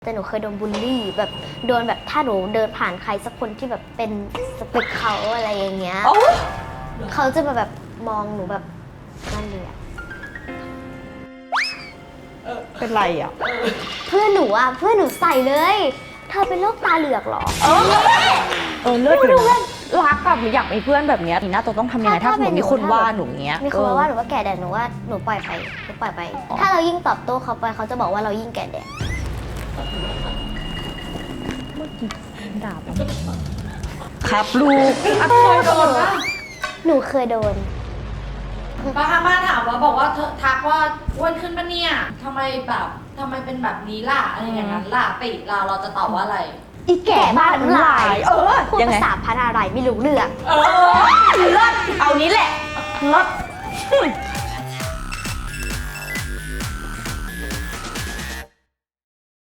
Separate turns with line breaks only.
แต่หนูเคยโดนบูลลี่แบบโดนแบบถ้าหนูเดินผ่านใครสักคนที่แบบเป็นสเปคเขาอะไรอย่างเงี้ยเขาจะมาแบบมองหนูแบบนั่นเลยอะ
เป็นไรอ่ะ
เพื่อนหนูใส่เลยเธอเป็นโรคตาเหลือกเหรอ
เลือดอยู่นะรักกับหรืออยากมีเพื่อนแบบเนี้ยทีน่าจะต้องทำยังไงถ้าสมมติมีคนว่าหนูเงี้ย
มีคนมาว่าหนูว่าแก่แดดหนูว่าหนูปล่อยไป ถ้าเรายิ่งตอบโต้เขาไปเขาจะบอกว่าเรายิ่งแก่แดด
ด่าปะครับลูก
เคยโดนปะ
หนูเคยโดน
ป้าข้างบ้านถามว่าบอกว่าเธอทักว่าอ้วนขึ้นปะเนี่ยทำไมเป็นแบบนี้ล่ะอะไรอย่างนั้นล่ะติเราจะตอบว่าอะไร
อีแก่บ้านน้ำลาย พูด
ยังไง
ภาษาพันอะไรไม่รู้เรื่อง
เลิศเอานี้แหละเลิศ